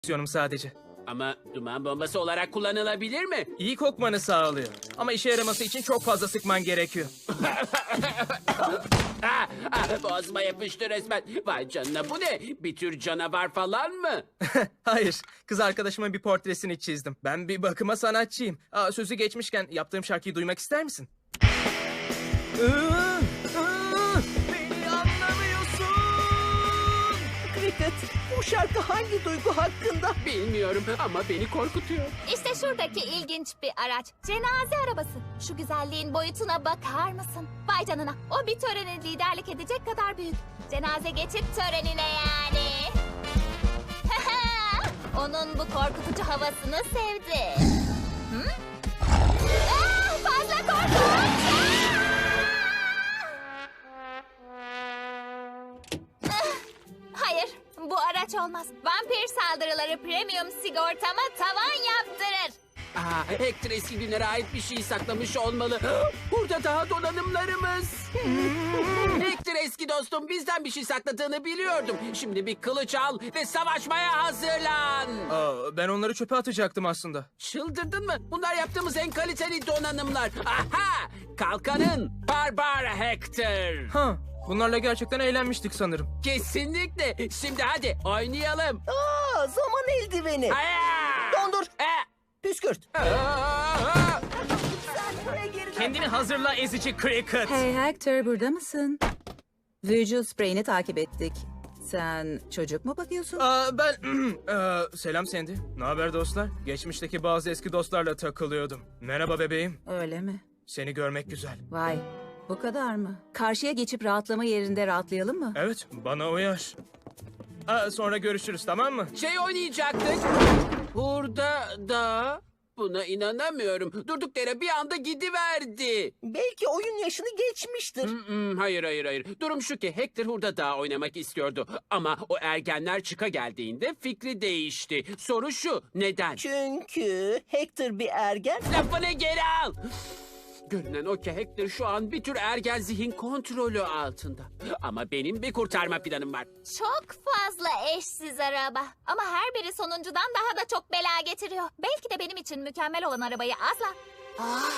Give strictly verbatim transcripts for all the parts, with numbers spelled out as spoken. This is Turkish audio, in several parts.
fonksiyonum sadece. Ama duman bombası olarak kullanılabilir mi? İyi kokmanı sağlıyor. Ama işe yaraması için çok fazla sıkman gerekiyor. Ah, ah, boğazıma yapıştı resmen. Vay canına, bu ne? Bir tür canavar falan mı? Hayır, kız arkadaşımın bir portresini çizdim. Ben bir bakıma sanatçıyım. Aa, sözü geçmişken yaptığım şarkıyı duymak ister misin? Iı, ıı, beni anlamıyorsun. Cricket, bu şarkı hangi duygu hakkında? Bilmiyorum ama beni korkutuyor. İşte şuradaki ilginç bir araç. Cenaze arabası. Şu güzelliğin boyutuna bakar mısın? Vay canına. O bir törene liderlik edecek kadar büyük. Cenaze geçit törenine yani. Onun bu korkutucu havasını sevdi. Hı? Aa, fazla korkunç! Ah, hayır, bu araç olmaz. Vampir saldırıları premium sigortama tavan yaptırır. Aa, Hector eski günlere ait bir şey saklamış olmalı. Burada daha donanımlarımız. Hector eski dostum, bizden bir şey sakladığını biliyordum. Şimdi bir kılıç al ve savaşmaya hazırlan. Aa, ben onları çöpe atacaktım aslında. Çıldırdın mı? Bunlar yaptığımız en kaliteli donanımlar. Aha! Kalkanın Barbar Hector. Ha, bunlarla gerçekten eğlenmiştik sanırım. Kesinlikle. Şimdi hadi oynayalım. Aa, zaman eldiveni. Aya! Dondur, E! püskürt. Aa! Sen buraya geri dön. Kendini hazırla ezici Cricket. Hey Hector, burada mısın? Visual Spray'ini takip ettik. Sen çocuk mu bakıyorsun? Aa, ben... Aa, selam Sandy. Ne haber dostlar? Geçmişteki bazı eski dostlarla takılıyordum. Merhaba bebeğim. Öyle mi? Seni görmek güzel. Vay, bu kadar mı? Karşıya geçip rahatlama yerinde rahatlayalım mı? Evet, bana uyar. Aa, sonra görüşürüz, tamam mı? Şey oynayacaktık. Burada da... Buna inanamıyorum. Durduk yere bir anda gidiverdi. Belki oyun yaşını geçmiştir. Hmm, hayır hayır hayır. Durum şu ki Hector Hurda Dağı oynamak istiyordu. Ama o ergenler çıka geldiğinde fikri değişti. Soru şu, neden? Çünkü Hector bir ergen. Lafını geri al. Görünen o ki Hector şu an bir tür ergen zihin kontrolü altında. Ama benim bir kurtarma planım var. Çok fazla eşsiz araba. Ama her biri sonuncudan daha da çok bela getiriyor. Belki de benim için mükemmel olan arabayı asla... Ah,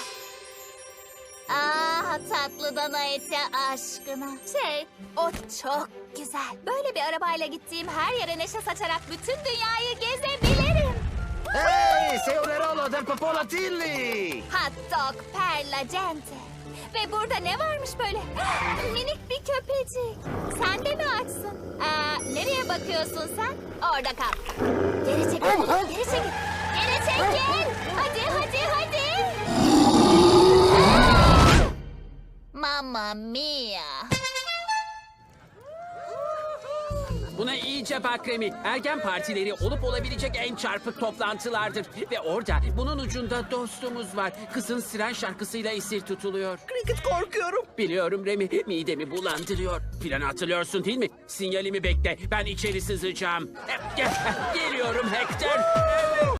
ah tatlı dana eti aşkına. Şey, o çok güzel. Böyle bir arabayla gittiğim her yere neşe saçarak bütün dünyayı gezebilirim. Ehi, sei un eroe del popolo Tilly! Hot dog perla gente. Ve burada ne varmış böyle? Minik bir köpecik. Sen de mi açsın? Aa, nereye bakıyorsun sen? Orada kal. Geri çekil. Geri çekil. Geri çekil. Hadi hadi hadi. Aa! Mamma mia. Buna iyice bak Remi. Ergen partileri olup olabilecek en çarpık toplantılardır. Ve orada bunun ucunda dostumuz var. Kızın siren şarkısıyla esir tutuluyor. Cricket, korkuyorum. Biliyorum Remi, midemi bulandırıyor. Planı hatırlıyorsun değil mi? Sinyalimi bekle, ben içeri sızacağım. Geliyorum Hector.